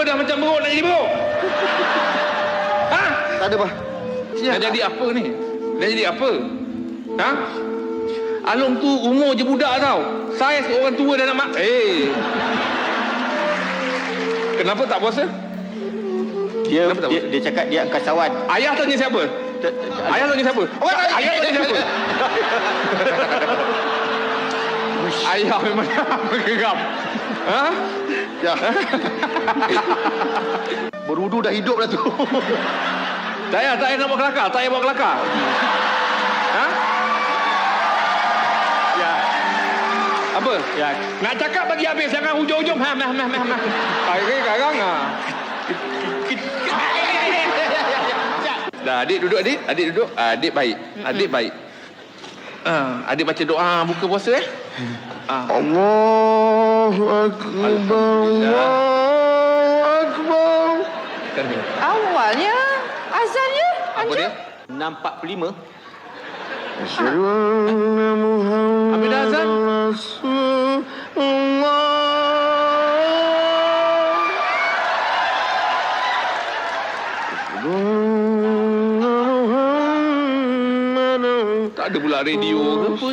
dah macam beruk nak jadi beruk? Ha? Tak ada, bah. Dah jadi apa ni? Dah jadi apa? Ha? Along tu umur je budak tau. Saya seorang tua dah nak mak. Kenapa tak puasa? Dia cakap dia angkasawan. Ayah tanya siapa? Ayah tanya siapa? Ayah tanya siapa? Ayah memang bergeram. Ha? Ya. Berudu dah hidup dah tu. Tak payah nak buat kelakar. Tak payah buat kelakar. Ha? Ya. Apa? Ya. Nak cakap bagi habis. Jangan hujung-hujung. Sekarang. Dah, adik duduk adik. Adik duduk. Adik baik. Adik baik. Adik baca doa buka puasa Allahu Akbar. Allahu Akbar. Awalnya azannya Apa dia? 6.45. Habis dah azan? Tak ada pula radio ke apa?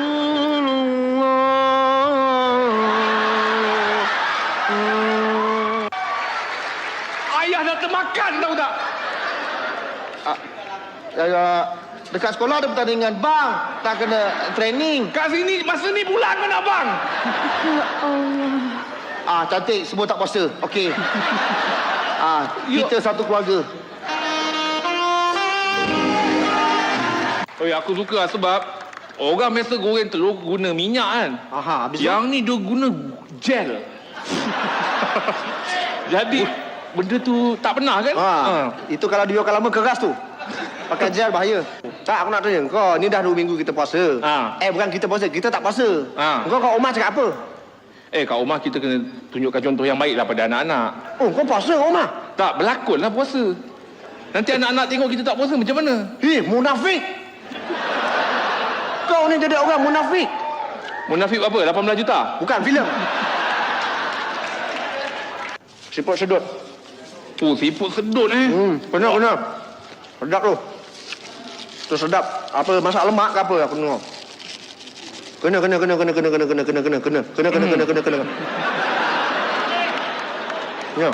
Ayah dah termakan tahu tak? Dekat sekolah ada pertandingan. Bang, tak kena training. Kat sini, masa ni bulan mana bang? Cantik, semua tak puasa. Okey. Kita satu keluarga. Aku suka lah sebab orang biasa goreng telur guna minyak kan. Habis Yang ni dia guna gel. Jadi benda tu tak pernah kan? Itu kalau dia lama keras tu. Pakai gel bahaya. Tak, aku nak tanya kau, ni dah 2 minggu kita puasa. Bukan kita puasa, kita tak puasa. Kau kat rumah cakap apa? Kat rumah kita kena tunjukkan contoh yang baik lah pada anak-anak. Kau puasa kat rumah? Tak, berlakon lah puasa. Nanti anak-anak tengok kita tak puasa macam mana? Munafik. Kau ni jadi orang munafik. Munafik apa? 18 juta? Bukan, filem. Siput sedut. Siput sedut Kena. Sedap tu. Tu sedap. Apa, masak lemak ke apa aku tengok. Kena. Ya.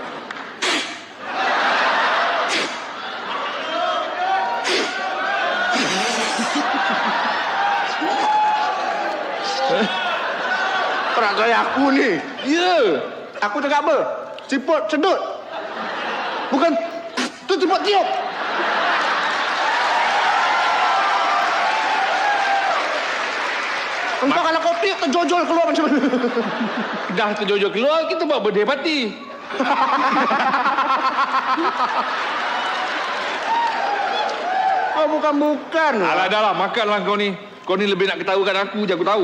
Perak gaya aku ni. Ya. Aku cakap apa? Siput sedut. Bukan tu siput tiup. Engkau kalau kau tiup terjojol keluar macam mana? Dah terjojol keluar, kita buat birthday party. Bukan. Alah dah lah, makanlah kau ni. Kau ni lebih nak ketahukan aku je, aku tahu.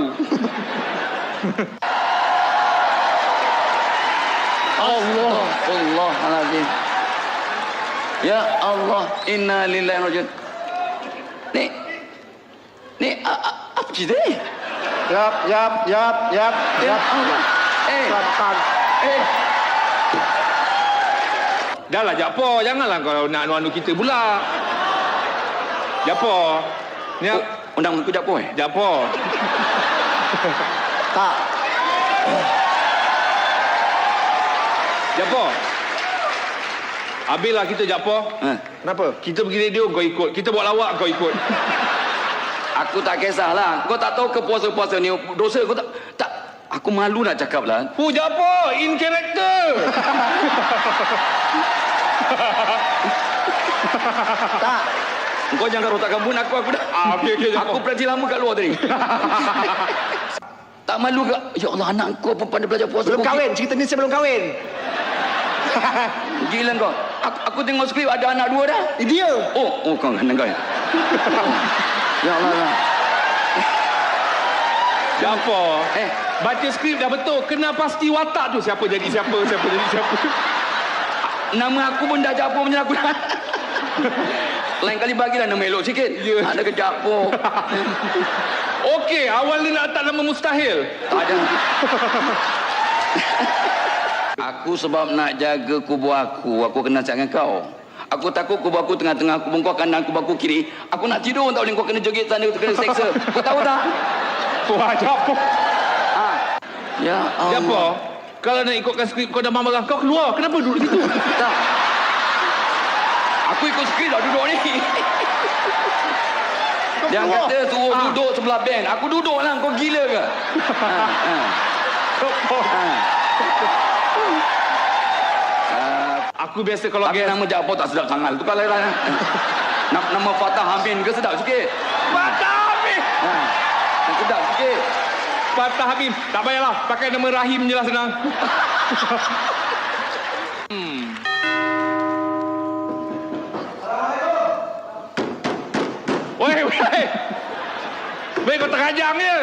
Allahuadzim. Ya Allah, inna lillahi wa inna ilaihi raji'un. Ni apa cerita ni? Yap. Ya Allah. Dah lah, Jakpo. Janganlah kau nak anu-anu kita pula. Jakpo. Ni Undang aku Jakpo Jakpo. Tak. Jakpo. Habislah kita, Jakpo. Kenapa? Kita pergi radio, kau ikut. Kita buat lawak, kau ikut. Aku tak kisahlah. Kau tak tahu ke puasa-puasa ni dosa kau tak. Aku malu nak cakap lah. Jakpo, in character. Tak. Kau jangan rotak kambun aku dah. Okey, Jakpo. Aku berhenti lama kat luar tadi. Tak malu ke? Ya Allah, anak kau pun pandai belajar puasa. Belum kahwin. Cerita ni saya belum kahwin. Gila kau. Aku tengok skrip ada anak 2 dah. Dia. Oh kau anak kau ya. Ya Allah. Jakpo. Baca skrip dah betul. Kena pasti watak tu. Siapa jadi siapa. Nama aku pun dah Jakpo macam aku dah. Lain kali bagilah nama elok sikit. Ada ke Jakpo. Okey, awal ni nak letak nama mustahil. Tak ada. Aku Aku sebab nak jaga kubur aku kena cakap dengan kau. Aku takut kubur aku tengah-tengah, kubur kau kanan, kubur aku kiri. Aku nak tidur tak boleh, kau kena joget sana, kau kena seksa. Kau tahu tak? Wah, apa? Ya Allah. Apa? Kalau nak ikutkan skrip kau dah marah, kau keluar. Kenapa duduk situ? Tak. Aku ikut skrip dah duduk ni. Dia kata suruh duduk sebelah band. Aku duduk lah, kau gila ke? Aku biasa kalau Tapi nama Jaafar tak sedap sangat. Tu kalau nama Fatah Amin ke sedap sikit? Fatah Amin. Sedap sikit. Fatah Amin. Tak payahlah. Pakai nama Rahim je lah senang. Weh. Weh, kau terajang je.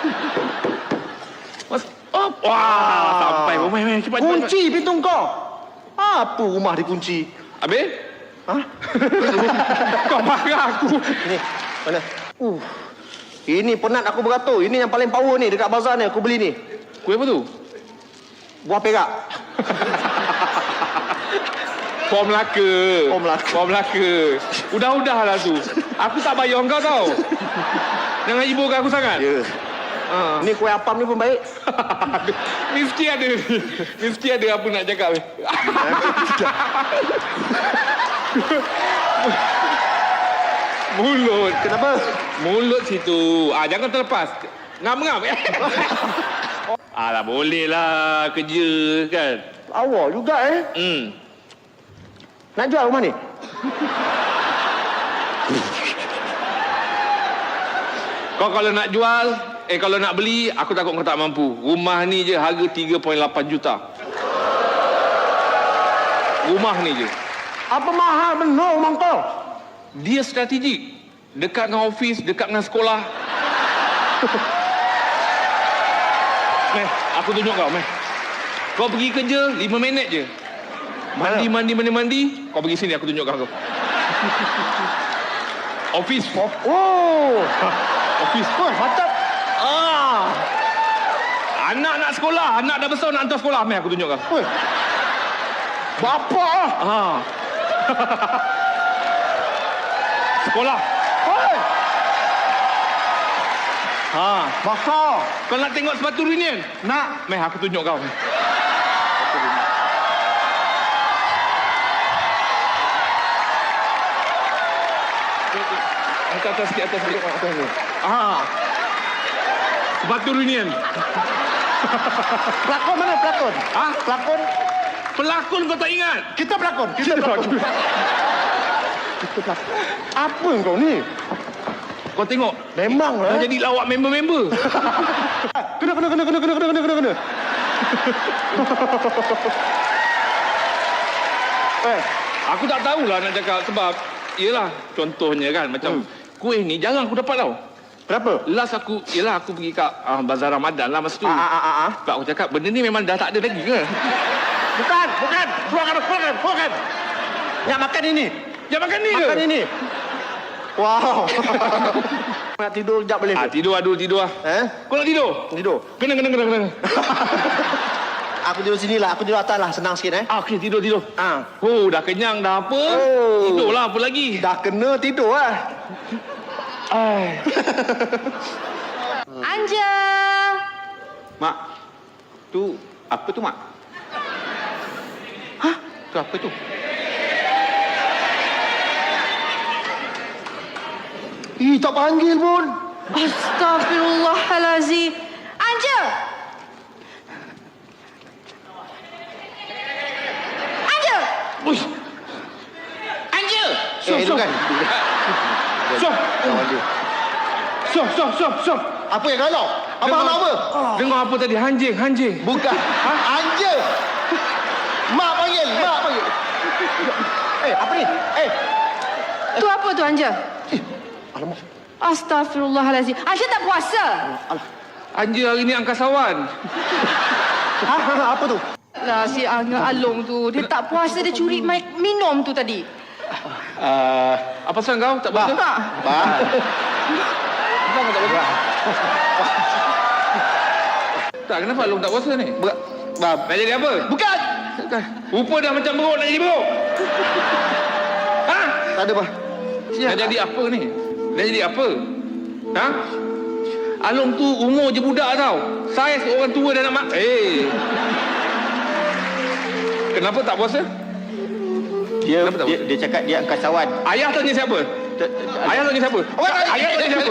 Wah, sampai. Weh, cepat. Kunci pintu kau. Apa rumah dikunci? Habis? Ha? Kau marah aku. Ni, mana? Ini penat aku beratur. Ini yang paling power ni dekat bazar ni. Aku beli ni. Kuih apa tu? Buah perak. Form Melaka. Form Melaka. Udah-udahlah tu. Aku tak bayar kau tau. Jangan ibukan aku sangat. Ya. Ni kuih apam ni pun baik. Mesti ada. Mesti ada apa nak cakap ni. Mulut. Kenapa? Mulut situ. Jangan terlepas. Ngam-ngam. Alah, boleh lah kerja kan. Awak juga Nak jual rumah ni? Kau kalau nak jual, kalau nak beli, aku takut kau tak mampu. Rumah ni je harga 3.8 juta. Rumah ni je. Apa mahal benar rumah kau? Dia strategik. Dekat dengan ofis, dekat dengan sekolah. Meh, aku tunjuk kau, Meh. Kau pergi kerja 5 minit je. Mandi. Kau pergi sini, aku tunjuk kau. Ofis. Ofis. Macam. Anak nak sekolah. Anak dah besar nak hantar sekolah. Meh, aku tunjuk kau. Bapa. Sekolah. Bapa. Kau nak tengok sepatu reunion? Nak. Meh, aku tunjuk kau. Atas sikit. Sepatu reunion. Pelakon mana pelakon? Pelakon. Pelakon kau tak ingat? Kita pelakon. Kita pelakon. Apa kau ni? Kau tengok. Memanglah. Dah jadi lawak member-member. Kena. Aku tak tahulah nak cakap sebab yelah contohnya kan macam kuih ni jarang aku dapat tau. Kenapa? Last aku pergi kat Bazar Ramadan lah masa tu. Sebab aku cakap benda ni memang dah tak ada lagi ke? Bukan. Keluarkan. Nak makan ini. Jangan makan ni ke? Makan ini. Wow. Nak tidur sekejap boleh ke? Tidur lah. Kau nak tidur? Tidur. Kena. Aku tidur sini lah. Aku tidur atas lah. Senang sikit Okey, tidur. Dah kenyang dah apa? Tidurlah apa lagi? Dah kena tidur lah. Anja. Mak, tu apa tu, Mak? Tu apa tu? Tak panggil pun. Astaghfirullahalazim. Anja. Uish. Anja. Kan? Stop. Apa yang galau? Abang nak apa? Dengar apa tadi? Hanjing. Bukan. Anja. Mak panggil. Apa ni? Tu apa tu Anja? Alamak. Astaghfirullahalazim. Anja tak puasa? Anja hari ni angkasawan. Apa tu? Lah si Angga Along tu, dia tak puasa, dia curi minum tu tadi. Apa pasal kau tak puasa? Tak. Kenapa tak puasa? Tak, kenapa Along tak puasa ni? Nak jadi apa? Bukan. Rupa dah macam beruk nak jadi beruk. Ha? Tak ada bah. Dah jadi apa ni? Dah jadi apa? Ha? Along tu umur je budak tau. Saya orang tua dah nak Kenapa tak puasa? Dia cakap dia angkasawan. Ayah tanya siapa? Ayah tanya siapa? Ayah tanya siapa?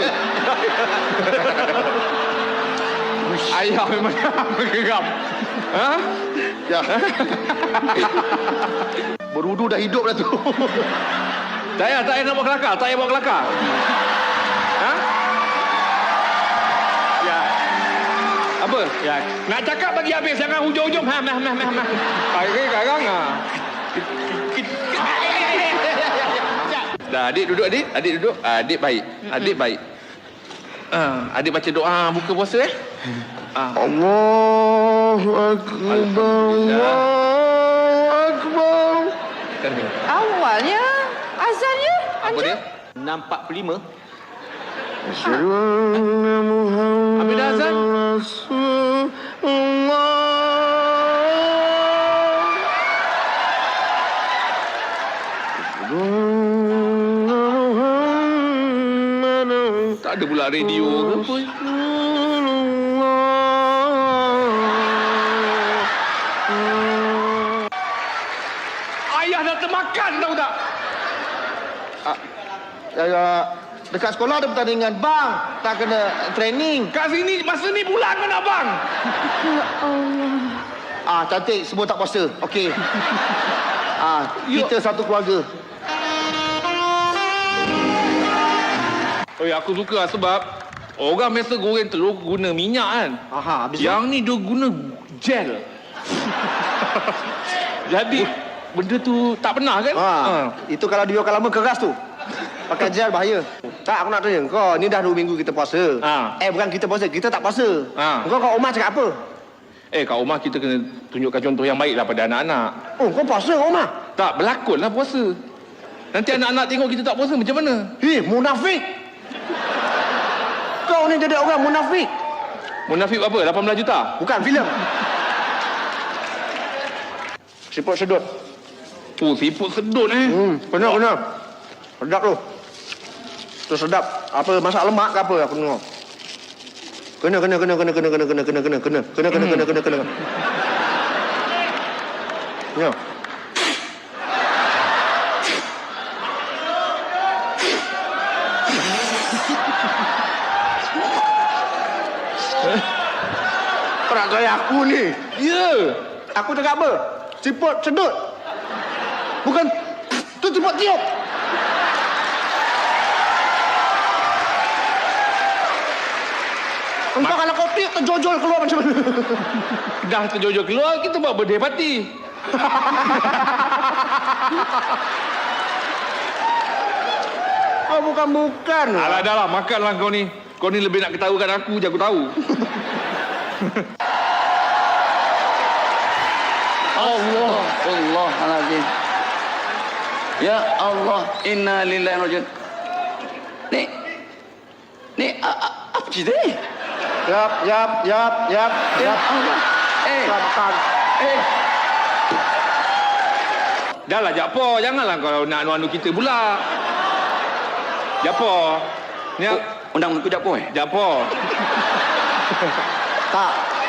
Ayah memang bergeram. Ha? Ya. Berudu dah hidup dah tu. Tak payah nak buat kelakar. Tak payah buat kelakar. Ha? Ya. Apa? Ya. Nak cakap bagi habis. Jangan hujung-hujung. Pakai karang ah. Dah, adik duduk adik. Adik duduk. Adik baik. Adik baik. Adik baca doa buka puasa Allahu Akbar. Allahu Akbar. Awalnya azannya Apa dia? 6.45. Habis dah azan? Tak ada pula radio ke apa. Ayah dah termakan tahu tak? Dekat sekolah ada pertandingan. Bang, tak kena training. Kat sini, masa ni pula kau nak bang. Cantik, semua tak puasa. Okey. Kita satu keluarga. Oh, aku suka lah sebab orang biasa goreng telur guna minyak kan. Habis Yang ni dia guna gel. Jadi benda tu tak pernah kan? Itu kalau dia lama keras tu. Pakai gel bahaya. Tak, aku nak tanya kau, ni dah 2 minggu kita puasa. Bukan kita puasa, kita tak puasa. Kau kat rumah cakap apa? Kat rumah kita kena tunjukkan contoh yang baik lah pada anak-anak. Oh, kau puasa kat rumah? Tak, berlakon lah puasa. Nanti anak-anak tengok kita tak puasa macam mana? Munafik. Kau ni jadi orang munafik. Munafik apa? 18 juta? Bukan, filem. Siput sedut. Oh, siput sedut Benar. Sedap tu. Tu sedap. Apa masak lemak ke apa aku tengok. Kena. Ya. Perak gaya aku ni. Ya. Aku cakap apa? Siput sedut. Bukan tu siput tiup. Engkau kalau kau tiup terjojol keluar macam mana? Dah terjojol keluar, kita buat birthday party. Oh, bukan. Alah, dah lah. Makanlah kau ni. Kau ni lebih nak ketahukan aku je, aku tahu. Allahaladzim. Ya Allah, inna lillahi wa inna ilaihi raji'un. Ni apa cerita ni? Yap. Ya Allah. Sabar. Dah lah, Jakpo. Janganlah kau nak anu-anu kita pula. Jakpo. Ni Undang aku Jakpo Jakpo. Tak.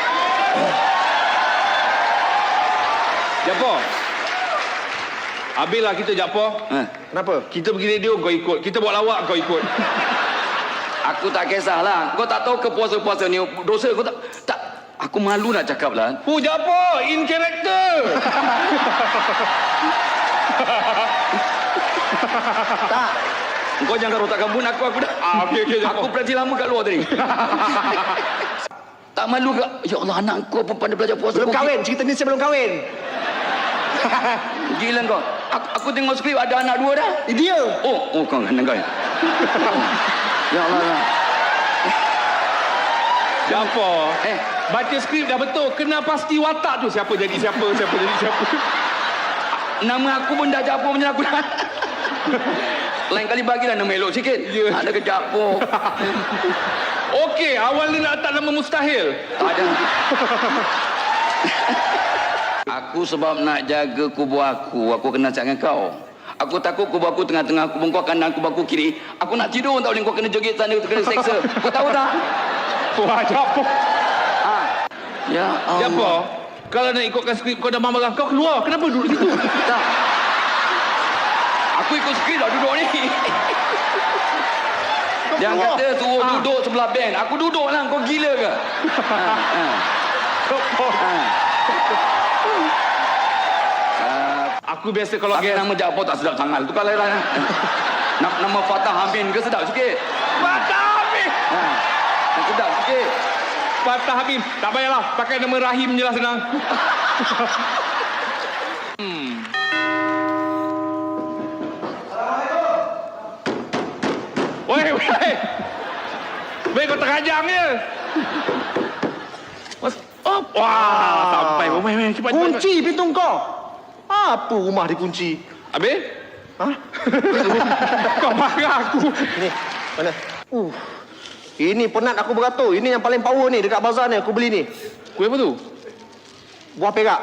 Jakpo. Habislah kita, Jakpo. Kenapa? Kita pergi radio, kau ikut. Kita buat lawak, kau ikut. Aku tak kisahlah. Kau tak tahu ke puasa-puasa ni dosa kau tak. Aku malu nak cakap lah. Jakpo, in character. Tak. Kau jangan rotak gambut aku dah. Okey, Aku berhenti lama kat luar tadi. Tak malu ke? Ya Allah, anak kau pun pandai belajar puasa. Belum kahwin. Cerita ni saya belum kahwin. Gila kau. Aku tengok skrip ada anak 2 dah. Dia. Oh kau anak kau ya. Ya Allah. Jakpo. Baca skrip dah betul. Kena pasti watak tu. Siapa jadi siapa. Nama aku pun dah Jakpo macam aku dah. Lain kali bagilah nama elok sikit. Ada ke Jakpo. Okey, awal ni nak letak nama mustahil. Tak ada. Aku sebab nak jaga kubur aku kena cakap dengan kau. Aku takut kubur aku tengah-tengah kubur kau kanan, kubur aku kiri. Aku nak tidur tak boleh, kau kena joget sana, kau kena seksa. Kau tahu tak? Wah, apa? Ya Allah. Siapa? Kalau nak ikutkan skrip kau dah marah kau keluar. Kenapa duduk situ? Tak. Aku ikut skrip dah duduk ni. Jangan kata suruh duduk sebelah band. Aku duduk lah. Kau gila ke? Aku biasa kalau Tapi nama Japo tak sedap sangat. Tu kalau lah. Nama Fatah Amin ke sedap sikit? Fatah Amin. Sedap sikit. Fatah Amin. Tak payahlah. Pakai nama Rahim je lah senang. Weh. Weh, kau terajang je. Wah, sampai. Weh, cepat. Kunci pintu kau. Apa rumah dikunci? Habis? Ha? Kau marah aku. Ni, mana? Ini penat aku beratur. Ini yang paling power ni dekat bazar ni. Aku beli ni. Kuih apa tu? Buah perak.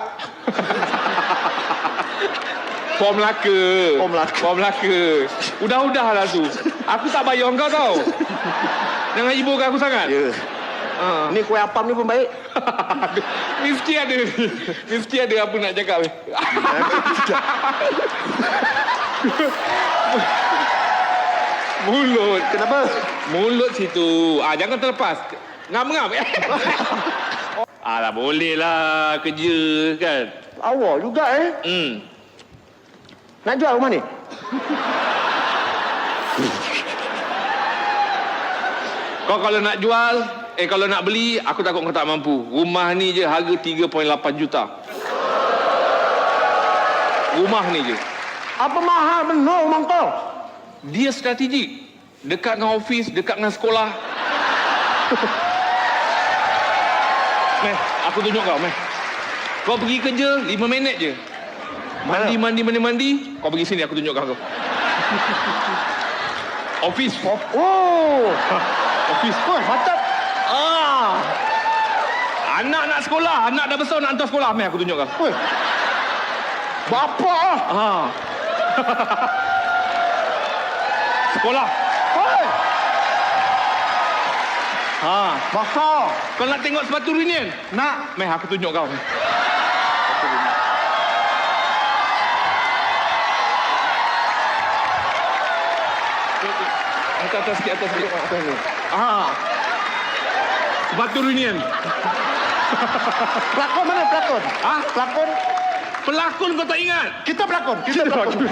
Form Melaka. Form Melaka. Udah-udahlah tu. Aku tak bayar kau tau. Jangan ibukan aku sangat. Ya. Ni kuih apam ni pun baik. Mesti ada. Mesti ada apa nak cakap ni. Mulut. Kenapa? Mulut situ. Jangan terlepas. Ngam-ngam. Alah, boleh lah kerja kan. Awak juga Nak jual rumah ni? Kau kalau nak jual, kalau nak beli, aku takut kau tak mampu. Rumah ni je harga 3.8 juta. Rumah ni je. Apa mahal benar rumah kau? Dia strategik. Dekat dengan ofis, dekat dengan sekolah. Meh, aku tunjuk kau, Meh. Kau pergi kerja 5 minit je. Mandi. Kau pergi sini, aku tunjuk kau. Ofis. Ofis. Macam Anak nak sekolah. Anak dah besar nak hantar sekolah. Meh, aku tunjuk kau. Bapa Sekolah. Mahal. Kau nak tengok sepatu reunion? Nak. Meh, aku tunjuk kau. Atas sikit. Sepatu reunion. Pelakon mana pelakon? Pelakon. Pelakon kau tak ingat? Kita pelakon. Kita pelakon.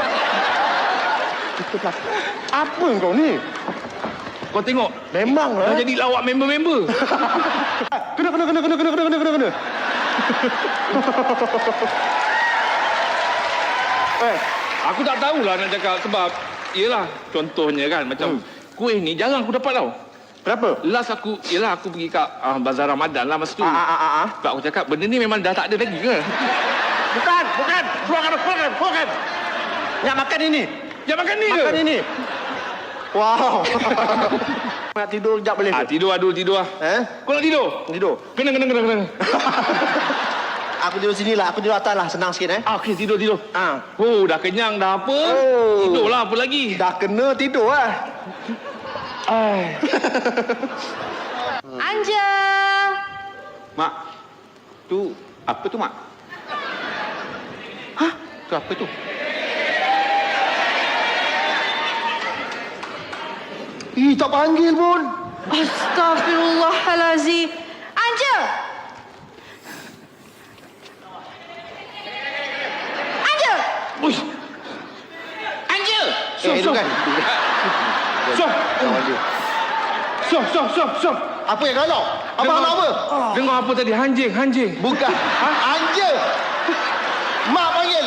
Apa kau ni? Kau tengok. Memang Dah jadi lawak member-member. Kena. Aku tak tahulah nak cakap sebab yelah contohnya kan macam kuih ni jarang aku dapat tau. Berapa? Last aku pergi kat Bazar Ramadan lah masa tu. Sebab aku cakap benda ni memang dah tak ada lagi ke? Bukan. Keluarkan. Nak makan ini. Jangan makan ni ke? Makan ini. Wow. Nak tidur sekejap boleh ke? Tidur lah. Kau nak tidur? Tidur. Kena. Aku tidur sini lah. Aku tidur atas lah. Senang sikit Okey, tidur. Dah kenyang dah apa? Tidurlah apa lagi? Dah kena tidur lah. Anja. Mak, tu apa tu, Mak? Tu apa tu? Tak panggil pun. Astaghfirullahalazim. Anja. Uish. Anja. Itu kan. Stop. Apa yang galau? Abang nak apa? Dengar apa tadi? Hanjing. Bukan. Anja. Mak panggil.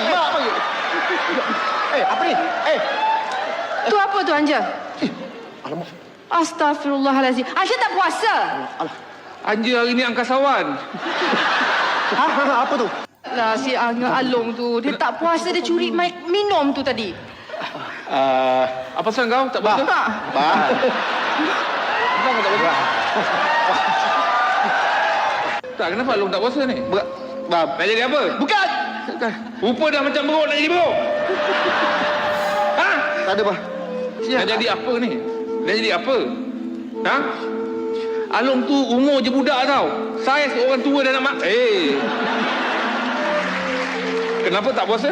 Apa ni? Tu apa tu Anja? Alamak. Astaghfirullahalazim. Anja tak puasa? Anja hari ni angkasawan. Apa tu? Lah si Angga Along tu, dia tak puasa, dia curi minum tu tadi. Apa pasal kau tak puasa? Tak. Kenapa tak puasa? Tak, kenapa Along tak puasa ni? Nak jadi apa? Bukan. Rupa dah macam beruk nak jadi beruk. Ha? Tak ada, bah. Dah jadi apa ni? Dah jadi apa? Ha? Along tu umur je budak tau. Saya seorang tua dah nak mak. Kenapa tak puasa?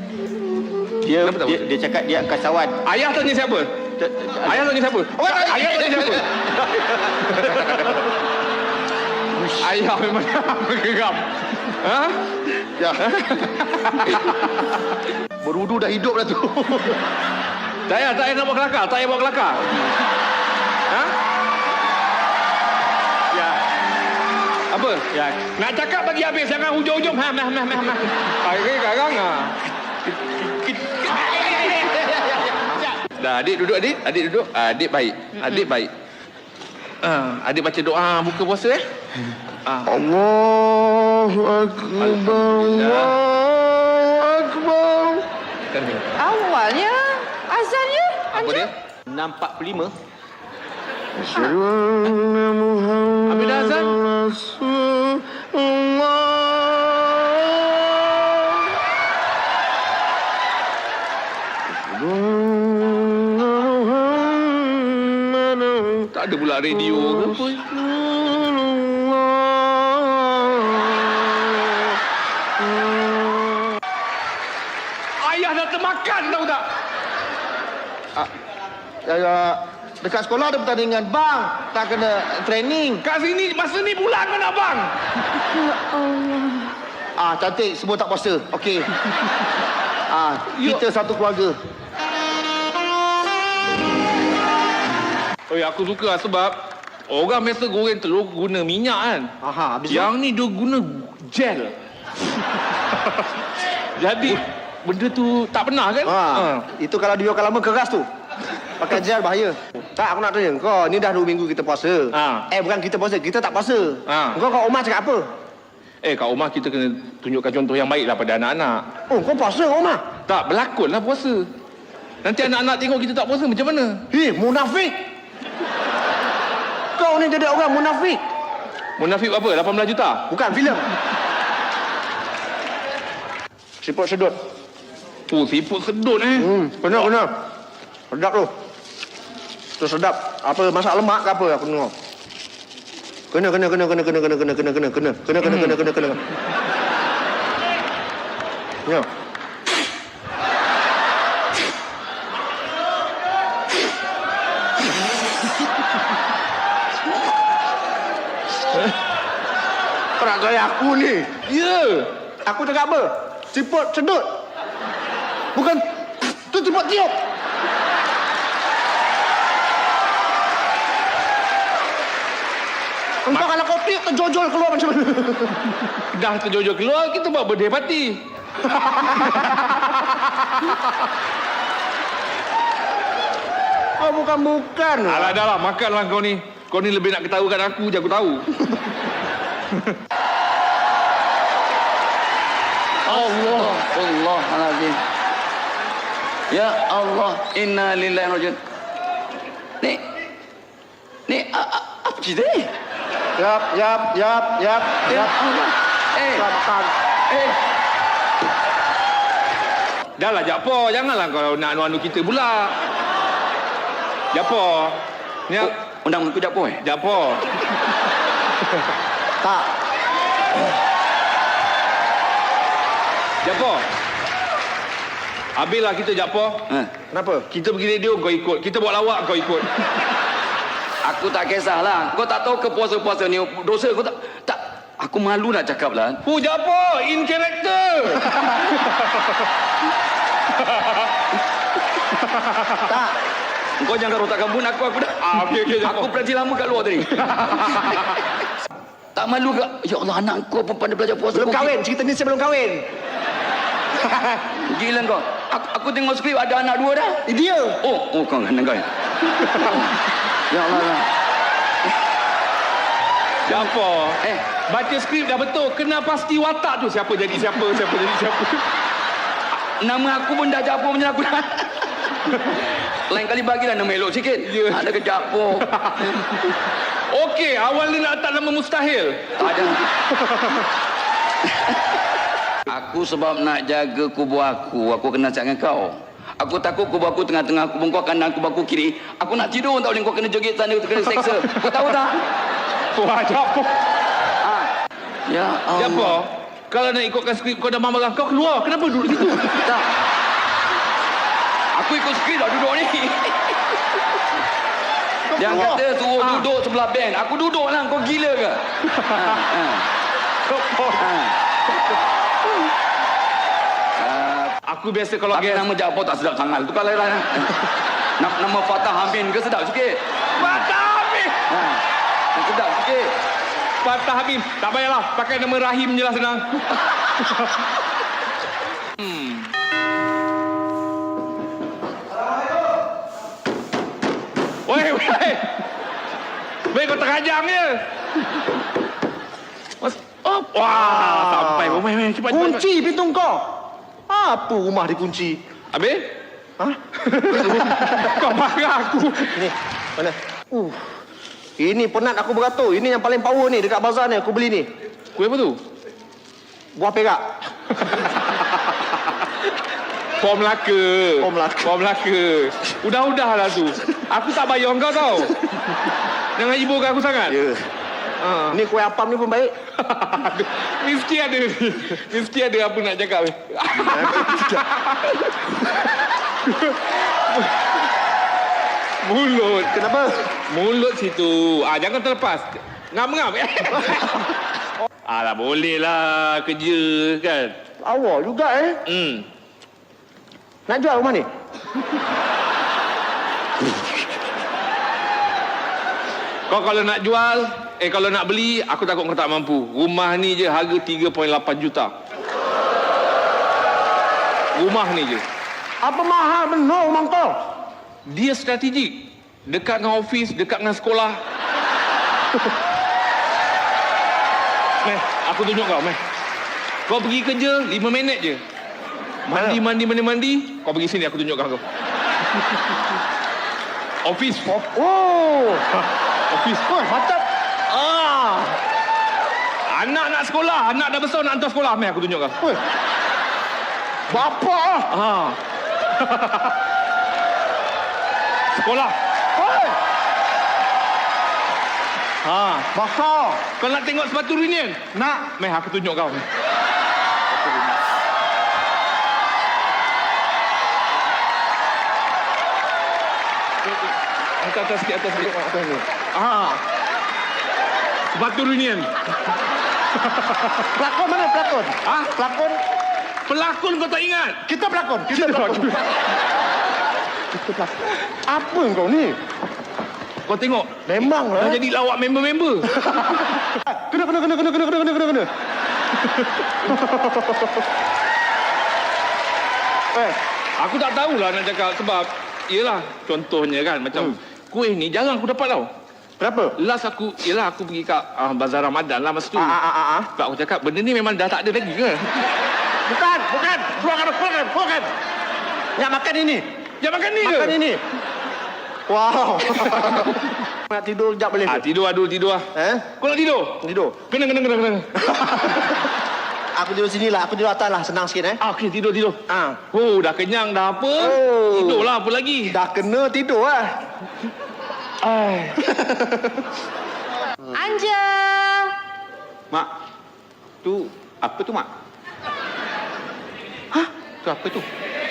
Dia cakap dia kasawan. Ayah tanya siapa? Ayah tanya siapa? Ayah tanya siapa? Ayah memang bergeram. Ha? Ya. Berudu dah hidup dah tu. Tak payah nak bawa kelakar. Tak payah bawa kelakar. Ha? Ya. Apa? Ya. Nak cakap bagi habis. Jangan hujung-hujung. Akhirnya sekarang Dah, adik duduk adik. Adik duduk. Adik baik. Adik baik. Adik baca doa buka puasa Allahu Akbar. Allahu Akbar. Awalnya azannya Apa dia? 6.45. Habis dah azan? Tak ada pula radio ke apa? Ayah dah termakan tahu tak? Dekat sekolah ada pertandingan bang, tak kena training. Kat sini masa ni pula kau nak bang. Cantik, semua tak puasa. Okey. Kita satu keluarga. Aku suka sebab orang biasa goreng telur guna minyak kan. Habis Yang ni dia guna gel. Jadi benda tu tak pernah kan? Itu kalau dibiarkan lama keras tu. Pakai gel bahaya. Tak, aku nak tanya kau, ni dah 2 minggu kita puasa. Bukan kita puasa, kita tak puasa. Kau kat rumah cakap apa? Kat rumah kita kena tunjukkan contoh yang baik lah pada anak-anak. Oh, kau puasa kat rumah? Tak, berlakon lah puasa. Nanti anak-anak tengok kita tak puasa macam mana? Munafik. Kau ni jadi orang munafik. Munafik apa? 18 juta? Bukan, filem. Siput sedut. Siput sedut Benar. Sedap tu. Tu sedap. Apa masak lemak ke apa aku tengok. Kena. Ya. Kau nak gaya aku ni? Ya. Aku cakap apa? Siput sedut. Bukan tu siput tiup. Entah kalau kau tiup terjojol keluar macam mana? Dah terjojol keluar, kita buat birthday party. Oh, bukan. Alah, dah lah. Makanlah kau ni. Kau ni lebih nak ketahukan aku je, aku tahu. Astaghfirullahaladzim. Ya Allah, inna lillahi wa inna ilaihi raji'un. Ni apa cerita ni? Yap. Ya Allah. Sabar. Dah lah, Jakpo. Janganlah kau nak anu-anu kita pula. Jakpo. Ni Undang aku Jakpo Jakpo. Tak. Jakpo. Habislah kita, Jakpo. Kenapa? Kita pergi radio, kau ikut. Kita buat lawak, kau ikut. Aku tak kisahlah. Kau tak tahu ke puasa-puasa ni dosa kau tak. Aku malu nak cakap lah. Jakpo, in character. Tak. Kau jangan rotakkan pun aku dah. Okey, Aku belajar lama kat luar tadi. Tak malu ke? Ya Allah, anak kau pun pandai belajar puasa. Belum kahwin. Cerita ni saya belum kahwin. Gila kau. Aku tengok skrip ada anak 2 dah. Dia. Oh kau anak kau. Ya Allah. Jakpo. Baca skrip dah betul. Kena pasti watak tu. Siapa jadi siapa. Nama aku pun dah Jakpo macam aku dah. Lain kali bagilah nama elok sikit. Ada ke Jakpo. Okey, awal ni nak letak nama mustahil. Tak ada. Aku Aku sebab nak jaga kubur aku kena cakap dengan kau. Aku takut kubur aku tengah-tengah kubur kau kanan, kubur aku kiri. Aku nak tidur tak boleh kau kena joget sana, kau kena seksa. Kau tahu tak? Wah, apa? Ya Allah. Apa? Kalau nak ikutkan skrip kau dah marah kau keluar. Kenapa duduk situ? Tak. Aku ikut skrip dah duduk ni. Jangan kata suruh duduk sebelah band. Aku duduk lah. Kau gila ke? Aku biasa kalau Tapi nama Japo tak sedap sangat. Tu kalau lah. Nama Fatah Amin ke sedap sikit? Fatah Amin. Sedap sikit. Fatah Amin. Tak payahlah. Pakai nama Rahim je lah senang. Weh. Weh, kau terajang je. Wah, sampai. Weh, cepat. Kunci pintu kau. Apa rumah dikunci? Habis? Ha? Kau marah aku. Ni, mana? Ini penat aku beratur. Ini yang paling power ni dekat bazar ni. Aku beli ni. Kuih apa tu? Buah perak. Form Melaka. Form Melaka. Udah-udahlah tu. Aku tak bayar kau tau. Jangan ibukan aku sangat. Ya. Ni kuih apam ni pun baik. Mesti ada apa nak cakap. Mulut. Kenapa? Mulut situ. Jangan terlepas. Ngam-ngam. Alah, boleh lah kerja kan. Awak juga Nak jual rumah ni? Kau kalau nak jual, kalau nak beli, aku takut kau tak mampu. Rumah ni je harga 3.8 juta. Rumah ni je. Apa mahal benar rumah kau? Dia strategik. Dekat dengan ofis, dekat dengan sekolah. Meh, aku tunjuk kau, Meh. Kau pergi kerja 5 minit je. Mandi. Kau pergi sini, aku tunjukkan kau. Ofis. Ofis. Mantap. Anak nak sekolah. Anak dah besar nak hantar sekolah. Meh, aku tunjuk kau. Bapa. Sekolah. Bakar. Kau nak tengok sepatu reunion? Nak. Meh, aku tunjuk kau. Atas sikit. Sepatu reunion. Pelakon mana pelakon? Pelakon. Pelakon kau tak ingat? Kita pelakon. Kita pelakon. Apa kau ni? Kau tengok. Memang lah. Dah jadi lawak member-member. Kena. Aku tak tahulah nak cakap sebab yelah contohnya kan macam kuih ni jarang aku dapat tau. Berapa? Last aku pergi kat Bazar Ramadan lah masa tu. Sebab aku cakap benda ni memang dah tak ada lagi ke? Bukan. Keluarkan. Nak makan ini. Jangan makan ni ke? Makan ini. Wow. Nak tidur sekejap boleh? Tidur lah. Kau nak tidur? Tidur. Kena. Aku tidur sini lah. Aku tidur atas lah. Senang sikit Okey, tidur. Dah kenyang dah apa? Tidurlah apa lagi? Dah kena tidur lah. Anja. Mak. Tu apa tu, Mak? Tu apa tu?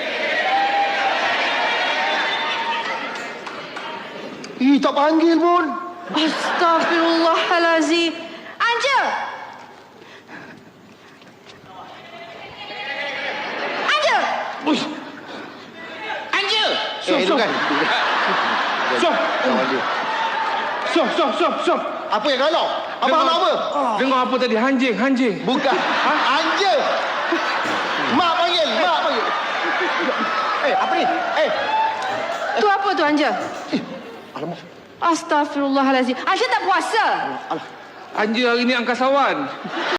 Tak panggil pun. Astaghfirullahalazim. Anja. Uish. Anja. Itu kan. Stop. Apa yang kalau? Abang nak apa? Dengar apa tadi? Hanjing. Bukan. Anja. Mak panggil. Apa ni? Tu apa tu, Anja? Alamak. Astaghfirullahalazim. Anja tak puasa? Anja hari ni angkasawan.